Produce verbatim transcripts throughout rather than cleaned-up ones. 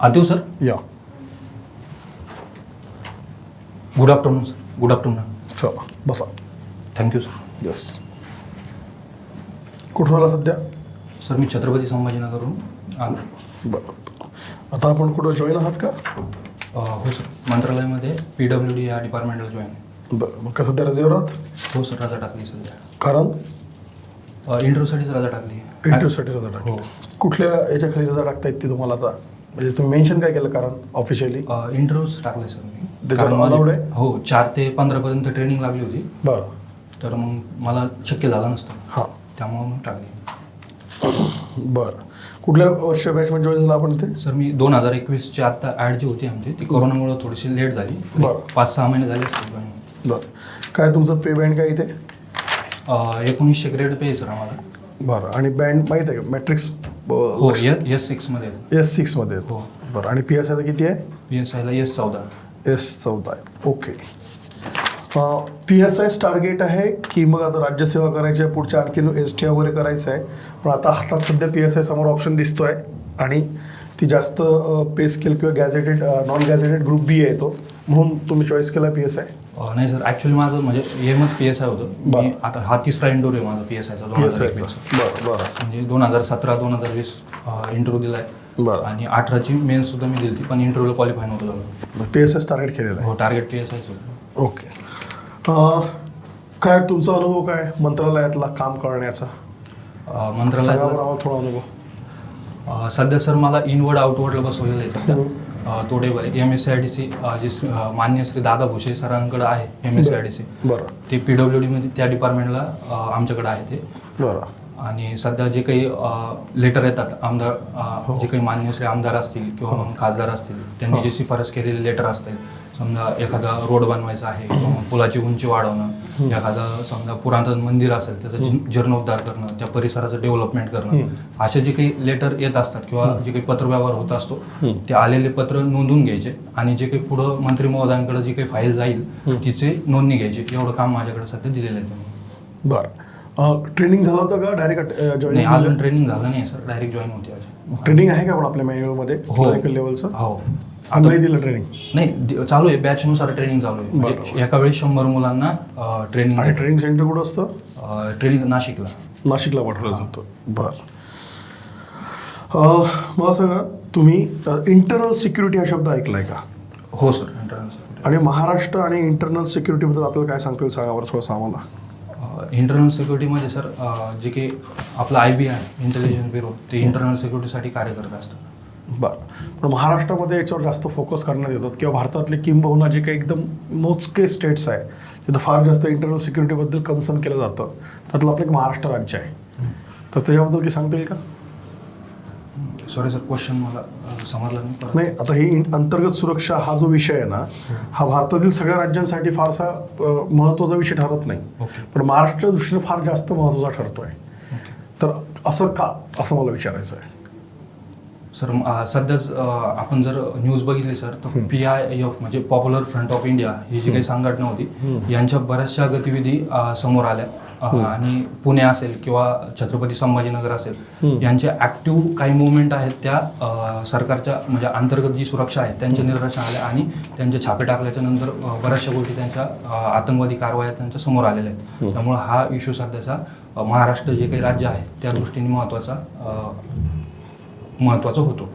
आदिव sir. या. Good afternoon sir. Good afternoon. चला बसा. Thank you sir. येस. कुठून आला सध्या? सर मी छत्रपती संभाजीनगरहून आलो. बरं. आता आपण कुठं जॉईन आहात का? हो सर, मंत्रालयामध्ये पी डब्ल्यू डी या डिपार्टमेंटला जॉईन आहे. बरं. मग का सध्या रजेवर आहात? हो सर, रजा टाकली सध्या. कारण इंटरव्ह्यूसाठीच रजा टाकली. इंटरव्ह्यूसाठी रजा टाकली. हो. कुठल्या याच्या खाली रजा टाकता येते तुम्हाला आता? म्हणजे तुम्ही मेन्शन काय केलं कारण ऑफिशियली? इंटरव्ह्यूच टाकले सर मी. त्याच्यात कारण माझी- allowed आहे? हो, चार ते पंधरापर्यंत ट्रेनिंग लागली होती. बरं. तर मग मला शक्य झालं नसतं, हां. त्यामुळं मग टाकली. बरं. कुठल्या वर्ष बॅचमध्ये जॉईन झाला आपण ते? सर मी दोन हजार एकवीसची आत्ता ॲड जी होती आमची ती कोरोनामुळे थोडीशी लेट झाली. बरं. पाच सहा महिने झाले असतील जॉईन. बरं. काय तुमचं पे बँड काय इथे? एकोणीसशे ग्रेड पे आहे सर आम्हाला. बरं. आणि बँड माहीत आहे का? मॅट्रिक्स हो, एस एस सिक्समध्ये. एस सिक्समध्ये. हो. बरं. आणि पी एस आयला किती आहे? पी एस आयला एस चौदा. एस चौदा आहे. ओके. पी एस आयच टार्गेट आहे की मग आता राज्यसेवा करायची आहे, पुढच्या आणखीन एस टी वगैरे करायचं आहे, पण आता हातात सध्या पी एस आय समोर ऑप्शन दिसतो आहे आणि ती जास्त पे स्केल किंवा gazetted non gazetted group B आहे तो, म्हणून तुम्ही चॉईस केला पी एस आय? नाही सर, ॲक्च्युली माझं म्हणजे एमच पी एस आय होतं. बरं. मी आता हा तिसरा इंटरव्ह्यू आहे माझा पी एस आयचा. पी एस आयचा. बरं बरं. म्हणजे दोन हजार सतरा दोन हजार वीस इंटरव्ह्यू दिला आहे. बरं. आणि अठराची मेन्स सुद्धा मी दिली, पण इंटरव्ह्यूला क्वालिफाय नव्हतं झालं. पी एस आयच टार्गेट केलेलं आहे? हो, टार्गेट पी एस आयच होतं. ओके. काय तुमचा अनुभव काय मंत्रालयातला काम करण्याचा? मंत्रालयात थोडा अनुभव. अ, सध्या सर मला इनवर्ड आउटवर्डला बसवलेलं आहे सध्या. अ, तोडेबल M S C I D C जे अ, मान्य श्री दादा भुसे सरांकडे आहे M S C I D C. बरं. ते पी डब्ल्यू डीमध्ये त्या डिपार्टमेंटला आमच्याकडे आहे ते. बरं. आणि सध्या जे काही लेटर येतात आमदार अ, जे काही मान्य श्री आमदार असतील किंवा मग खासदार असतील त्यांनी जे शिफारस केलेले लेटर असतील, समजा एखादा रोड बनवायचा आहे किंवा मग पुलाची उंची वाढवणं, एखादं समजा पुरातन मंदिर असेल त्याचं जी- जीर्णोद्धार करणं, त्या परिसराचं डेव्हलपमेंट करणं, असे जे काही लेटर येत असतात किंवा जे काही पत्रव्यवहार होत असतो ते आलेले पत्र नोंदवून घ्यायचे आणि जे काही पुढं मंत्री महोदयांकडे जी काही फाईल जाईल तिचे नोंदणी घ्यायची. एवढं काम माझ्याकडे सध्या दिलेलं आहे त्यांनी. बरं. ट्रेनिंग झालं होतं का डायरेक्ट नाही, जॉईनिंग? अजून ट्रेनिंग झालं नाही सर, डायरेक्ट जॉईन होते अजून. ट्रेनिंग आहे का पण आपल्या मॅन्युअलमध्ये क्लरिकल लेवलचं? हो. नाही दिलं ट्रेनिंग? नाही, दि- चालू आहे, बॅचनुसार ट्रेनिंग चालू आहे. म्हणजे एका वेळी शंभर मुलांना ट्रेनिंग. आणि ट्रेनिंग सेंटर कुठं असतं? ट्रेनिंग नाशिकला. नाशिकला पाठवलं जातं. बरं. मला सांगा, तुम्ही इंटरनल सिक्युरिटी हा शब्द ऐकलाय का? हो सर, इंटरनल. आणि महाराष्ट्र आणि इंटरनल सिक्युरिटीबद्दल आपल्याला काय सांगता येईल सांगा बरं थोडंसं आम्हाला. इंटरनल सिक्युरिटीमध्ये सर जे काही आपलं आय बी आहे इंटेलिजन्स ब्युरो, ते इंटरनल सिक्युरिटीसाठी कार्य करत असतं. बरं. पण महाराष्ट्रामध्ये याच्यावर जास्त फोकस करण्यात येतात किंवा भारतातले किंबहुना जे काही एकदम मोजके स्टेट्स आहे तिथं फार जास्त इंटरनल सिक्युरिटीबद्दल कन्सर्न केलं जातं, त्यातलं आपलं एक महाराष्ट्र राज्य आहे, तर त्याच्याबद्दल काही सांगता येईल का? सॉरी सर, क्वेश्चन मला समजला नाही. नाही, आता ही अंतर्गत सुरक्षा हा जो विषय आहे ना, हा भारतातील सगळ्या राज्यांसाठी फारसा महत्त्वाचा विषय ठरत नाही, पण महाराष्ट्राच्या दृष्टीने फार जास्त महत्त्वाचा ठरतोय. तर असं का, असं मला विचारायचं आहे. सर सध्याच आपण जर न्यूज बघितली सर, तर पी आय एफ म्हणजे पॉप्युलर फ्रंट ऑफ इंडिया ही जी काही संघटना होती यांच्या बऱ्याचशा गतिविधी समोर आल्या. आणि पुणे असेल किंवा छत्रपती संभाजीनगर असेल यांच्या ऍक्टिव्ह काही मुवमेंट आहेत त्या सरकारच्या म्हणजे अंतर्गत जी सुरक्षा आहे त्यांच्या निदर्शनास आल्या आणि त्यांचे छापे टाकल्याच्या नंतर बऱ्याचशा गोष्टी त्यांच्या आतंकवादी कारवाया त्यांच्या समोर आलेल्या आहेत. त्यामुळे हा इश्यू सध्याचा महाराष्ट्र जे काही राज्य आहे त्या दृष्टीने महत्त्वाचा महत्त्वाचा होतो.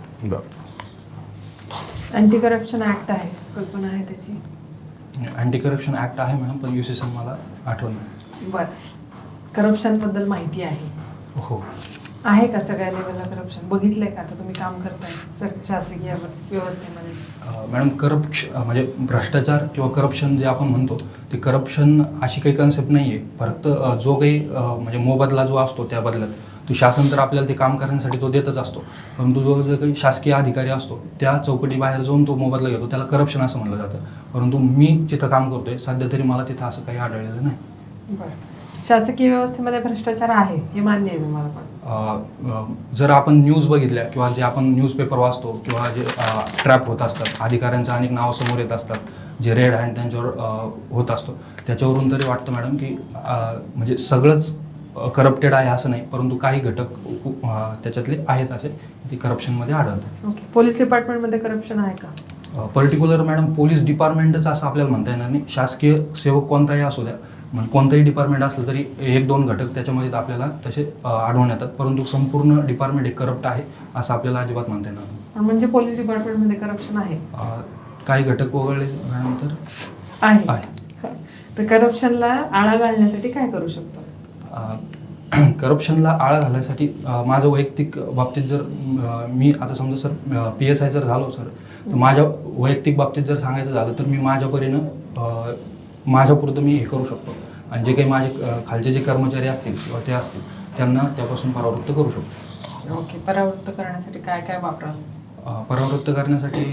अँटी करप्शन ऍक्ट आहे, कल्पना आहे त्याची? अँटी करप्शन ऍक्ट आहे मॅडम, पण युसेशन मला आठवण नाही. बरं. करप्शन बद्दल माहिती आहे? हो. आहे का सगळ्या लेवलला करप्शन? बघितलंय का आता तुम्ही काम करताय सर शासकीय व्यवस्थेमध्ये? मॅडम करप्शन म्हणजे भ्रष्टाचार किंवा करप्शन जे आपण म्हणतो ते करप्शन अशी काही कन्सेप्ट नाही आहे. फक्त जो काही म्हणजे मोबदला जो असतो त्या बदल्यात तो शासन तर आपल्याला ते काम करण्यासाठी तो देतच असतो, परंतु जो जो काही शासकीय अधिकारी असतो त्या चौकटी बाहेर जाऊन तो मोबदला घेतो त्याला करप्शन असं म्हणलं जातं. परंतु मी जिथं काम करतोय सध्या तरी मला तिथं असं काही आढळलेलं नाही. बरं. शासकीय व्यवस्थेमध्ये भ्रष्टाचार आहे हे मान्य आहे तुम्हाला? पण जर आपण न्यूज बघितल्या किंवा जे आपण न्यूजपेपर वाचतो किंवा जे ट्रॅप होत असतात, अधिकाऱ्यांचं अनेक नावं समोर येत असतात, जे रेड हँड त्यांच्यावर होत असतो, त्याच्यावरून तरी वाटतं मॅडम की म्हणजे सगळंच करप्टेड आहे असं नाही, परंतु काही घटक त्याच्यातले आहेत असे ती करप्शनमध्ये आढळतात. ओके. पोलीस डिपार्टमेंटमध्ये करप्शन आहे का? पर्टिक्युलर मॅडम पोलीस डिपार्टमेंटच असं आपल्याला म्हणता येणार नाही. शासकीय सेवक कोणताही असू द्या, म्हणजे कोणतंही डिपार्टमेंट असलं तरी एक दोन घटक त्याच्यामध्ये आपल्याला तसे अ, आढळून येतात, परंतु संपूर्ण डिपार्टमेंट हे करप्ट आहे असं आपल्याला अजिबात म्हणता येणार नाही. म्हणजे पोलीस डिपार्टमेंटमध्ये करप्शन आहे? अ, काही घटक वगळले मॅडम तर आहे. आहे. तर करप्शनला आळा घालण्यासाठी काय करू शकतो? करप्शनला आळा घालण्यासाठी अ, माझं वैयक्तिक बाबतीत जर अ, मी आता समजा सर पी एस आय जर झालो सर, तर माझ्या वैयक्तिक बाबतीत जर सांगायचं झालं तर मी माझ्या परीनं अ, माझ्यापुरतं मी हे करू शकतो, आणि जे काही माझे अ, खालचे जे कर्मचारी असतील किंवा ते असतील त्यांना त्यापासून परावृत्त करू शकतो. ओके. परावृत्त करण्यासाठी काय काय वापराल? अ, परावृत्त करण्यासाठी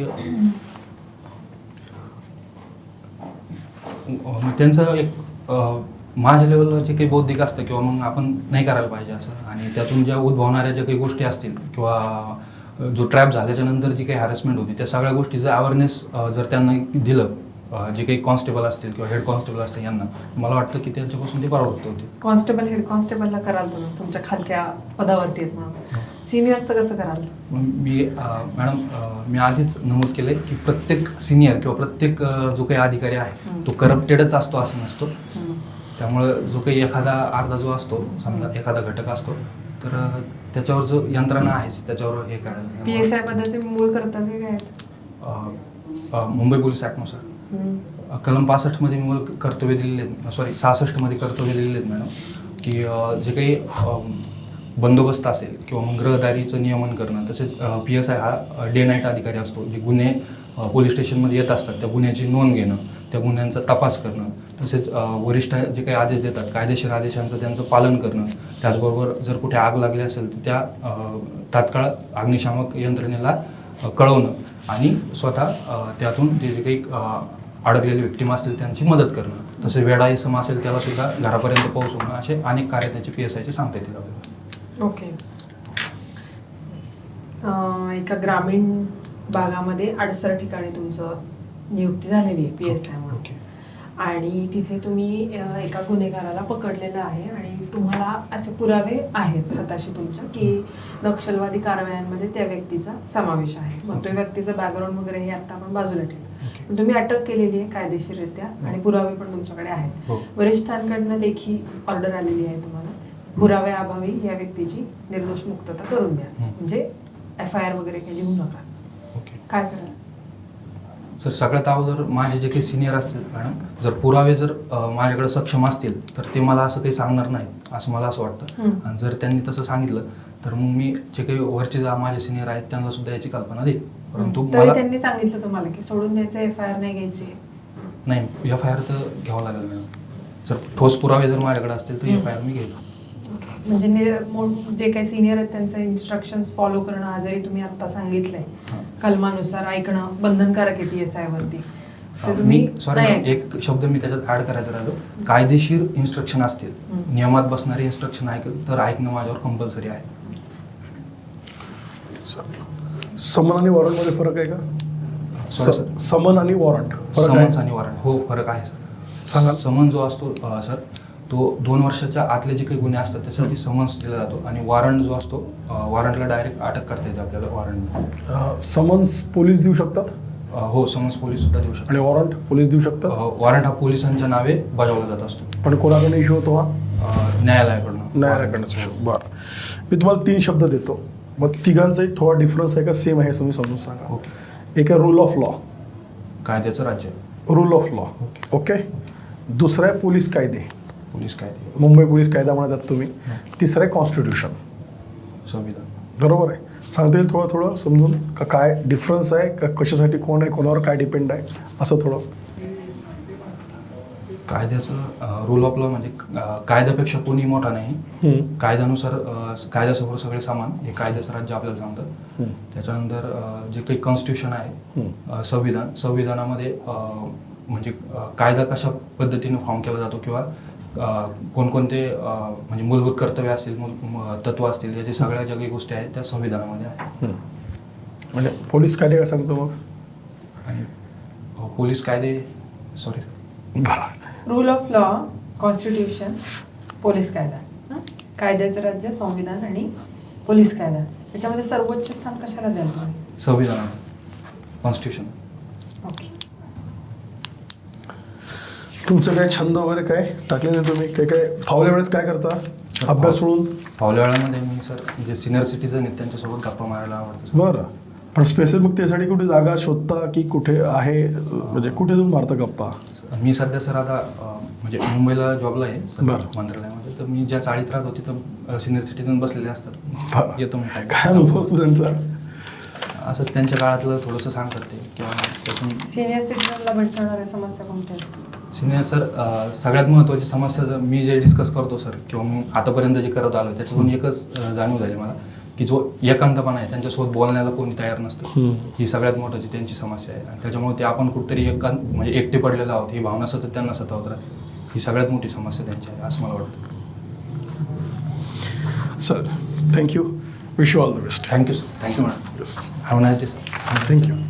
अ, मग त्यांचं एक अ, माझ्या लेवलला जे काही बौद्धिक असतं किंवा मग आपण नाही करायला पाहिजे असं, आणि त्यातून ज्या उद्भवणाऱ्या ज्या काही गोष्टी असतील किंवा जो ट्रॅप झाल्याच्या नंतर जी काही हॅरेसमेंट होती त्या सगळ्या गोष्टीचं अवेअरनेस जर त्यांना दिलं, अ, जे काही कॉन्स्टेबल असतील किंवा हेड कॉन्स्टेबल असतील यांना, मला वाटतं की त्यांच्यापासून ते परावृत्त होते. कॉन्स्टेबल हेड कॉन्स्टेबलला कराल तुम्ही, तुमच्या खालच्या पदावरती आहेत म्हणून. सिनियर्सचं कसं कराल? मग मी अ, मॅडम अ, मी आधीच नमूद केलं आहे की प्रत्येक सिनियर किंवा प्रत्येक अ, जो काही अधिकारी आहे हं. तो करप्टेडच असतो असं नसतो. हम्म. त्यामुळं जो काही एखादा अर्धा जो असतो समजा एखादा घटक असतो तर अ, त्याच्यावर जो यंत्रणा आहेच त्याच्यावर हे करायला. पी एस आय पदाचे मूळ कर्तव्य काय आहेत? अ, अ, मुंबई पोलीस ॲक्टनुसार हम्म. अ, कलम पासष्टमध्ये मूळ कर्तव्य दिलेले आहेत, सॉरी सहासष्टमध्ये कर्तव्य दिलेले आहेत मॅडम, की अ, जे काही अ, बंदोबस्त असेल किंवा मग गृहदारीचं नियमन करणं, तसेच पी एस आय हा डे नाईट अधिकारी असतो. जे गुन्हे अ, पोलीस स्टेशनमध्ये येत असतात त्या गुन्ह्याची नोंद घेणं, त्या गुन्ह्यांचा तपास करणं, तसेच अ, वरिष्ठ जे काही आदेश देतात कायदेशीर आदेशांचं त्यांचं पालन करणं, त्याचबरोबर जर कुठे आग लागली असेल तर त्या अ, तात्काळ अग्निशामक यंत्रणेला अ, कळवणं आणि स्वतः अ, त्यातून जे जे काही अ, अडकलेले विक्टीम असतील त्यांची मदत करणं, तसे वेडा इसम असेल त्याला सुद्धा घरापर्यंत पोहोचवणं, असे अनेक कार्य त्याचे पी एस आयचे सांगता येतील आपल्याला. ओके. अं, एका ग्रामीण भागामध्ये अडसर ठिकाणी तुमचं नियुक्ती झालेली आहे पी एस आय म्हणून, ओके. आणि तिथे तुम्ही अं, एका गुन्हेगाराला पकडलेलं आहे आणि तुम्हाला असे पुरावे आहेत हाताशी तुमच्या की नक्षलवादी कारवायांमध्ये त्या व्यक्तीचा समावेश आहे. मग तो व्यक्तीचं बॅकग्राऊंड वगैरे हे आता आपण बाजूला ठेवू, ओके. पण तुम्ही अटक केलेली आहे कायदेशीररित्या आणि पुरावे पण तुमच्याकडे आहेत. हो. वरिष्ठांकडनं देखील ऑर्डर आलेली आहे तुम्हाला पुराव्याअभावी या व्यक्तीची निर्दोष मुक्तता करून द्या, हं. म्हणजे एफ आय आर वगैरे काही लिहू नका. ओके. काय कराल? सर सगळ्यात अगोदर माझे जे काही सिनियर असतील मॅडम, जर पुरावे जर अ, माझ्याकडे सक्षम असतील तर ते मला असं काही सांगणार नाहीत असं मला असं वाटतं. हं. आणि जर त्यांनी तसं सांगितलं तर मग मी जे काही वरचे जे माझे सिनियर आहेत त्यांना सुद्धा याची कल्पना देईल, परंतु तरी मला त्यांनी सांगितलं तुम्हाला की सोडून द्यायचं, एफ आय आर नाही घ्यायची? नाही, एफ आय आर तर घ्यावं लागेल मॅडम. जर ठोस पुरावे जर माझ्याकडे असतील तर हं. एफ आय आर मी घेईल. म्हणजे निर- मोठ- जे काही सिनियर आहेत त्यांचे इन्स्ट्रक्शन्स फॉलो करणं, हा जरी तुम्ही आता सांगितलंय हां. कलमानुसार ऐकणं बंधनकारक आहे पी एस आय वरती, तर तुम्ही मी सॉरी नाही मॅडम, एक शब्द मी त्याच्यात ऍड करायचा राहिलो. कायदेशीर इन्स्ट्रक्शन असतील, हं. नियमात बसणारे इन्स्ट्रक्शन ऐकलं तर ऐकणं माझ्यावर कंपल्सरी आहे. समन आणि वॉरंटमध्ये फरक आहे का? Sorry, स- sir. समन आणि वॉरंट फरक समन्स आहे? आणि वॉरंट हो फरक आहे सर. सांगा. समन जो असतो अ, सर तो दोन वर्षाच्या आतले जे काही गुन्हे असतात त्यासाठी समन्स दिला जातो, आणि वॉरंट जो असतो वॉरंटला डायरेक्ट अटक करता येते आपल्याला वॉरंट. अं, समन्स पोलीस देऊ शकतात हो समन्स पोलीस सुद्धा देऊ शकतो. आणि वॉरंट पोलीस देऊ शकतात, वॉरंट हा पोलिसांच्या नावे बजावला जात असतो, पण कोणाकडे इश्यू होतो हा? अ, न्यायालयाकडनं. न्यायालयाकडनं इश्यू. बरं, मी तुम्हाला तीन शब्द देतो, मग तिघांचाही थोडा डिफरन्स आहे का सेम आहे हे तुम्ही समजून सांगा. ओके. एक आहे रूल ऑफ लॉ, कायद्याचं राज्य. Rule of law. Okay. Okay. दुसरा आहे पोलीस कायदे, पोलीस कायदे. मुंबई पोलीस कायदा म्हणतात तुम्ही. तिसरं आहे कॉन्स्टिट्यूशन. संविधान. बरोबर आहे. सांगता येईल थोडं थोडं समजून का काय डिफरन्स आहे, का कशासाठी कोण आहे, कोणावर काय डिपेंड आहे, असं थोडं. कायद्याचं रूल ऑफ लॉ म्हणजे अ, कायद्यापेक्षा कोणी मोठा नाही. हम्म. कायद्यानुसार अ, कायद्यासमोर सगळे समान हे कायद्याचं राज्य आपल्याला सांगतं. हम्म. त्याच्यानंतर अ, जे काही कॉन्स्टिट्यूशन आहे, हम्म. अ, संविधान संविधानामध्ये अ, म्हणजे अ, कायदा कशा पद्धतीने फॉर्म केला जातो किंवा अ, कोणकोणते अ, म्हणजे मूलभूत कर्तव्य असतील, मूल म- तत्व असतील, याच्या सगळ्या ज्या काही गोष्टी आहेत त्या संविधानामध्ये आहेत. हम्म. म्हणजे पोलीस कायदे काय सांगतो मग? आणि अ, पोलीस कायदे सॉरी बरं. Rule of law, constitution, police कायदा, हं? कायद्याचं राज्य, संविधान आणि पोलीस कायदा, त्याच्यामध्ये सर्वोच्च स्थान कशाला द्यायला पाहिजे? संविधानात, कॉन्स्टिट्यूशन. ओके. तुमचं काय छंद वगैरे काय टाकले नाही तुम्ही? काय काय फावल्या वेळेत काय करता अभ्यास सोडून? फावल्या वेळामध्ये मी सर जे सिनियर सिटीजन आहेत त्यांच्यासोबत गप्पा मारायला आवडतं सर. बरं, पण स्पेसिफिक त्यासाठी कुठे जागा शोधता की कुठे आहे, म्हणजे कुठे जाऊन मारता गप्पा? मी सध्या सर आता अं, म्हणजे मुंबईला जॉबला आहे सर, बरं. मंत्रालयामध्ये. तर मी ज्या चाळीत राहतो तिथं सिनियर सिटीजन बसलेले असतात. बरं. येतो मी काय काय अनुभव असतो त्यांचा? असंच त्यांच्या काळातलं थोडंसं सांगतात ते किंवा त्यातून सिनियर सिटीजनला भेडसावणाऱ्या समस्या कोणत्या आहेत? सिनियर सर अं, सगळ्यात महत्त्वाची समस्या जर मी जे डिस्कस करतो सर किंवा मी आतापर्यंत जे करत आलो त्याच्यातून एकच अं, जाणीव झाली मला की जो एकांतपणा आहे त्यांच्यासोबत बोलण्याला कोणी तयार नसतं. हम्म. ही सगळ्यात मोठी त्यांची समस्या आहे आणि त्याच्यामुळे ते आपण कुठेतरी एकांत म्हणजे एकटे पडलेलो आहोत ही भावना सतत त्यांना सतावत राहते. ही सगळ्यात मोठी समस्या त्यांची आहे असं मला वाटतं. Sir thank you, wish you all the best. Thank you sir. Thank you madam. Yes, have nice day sir. Thank you.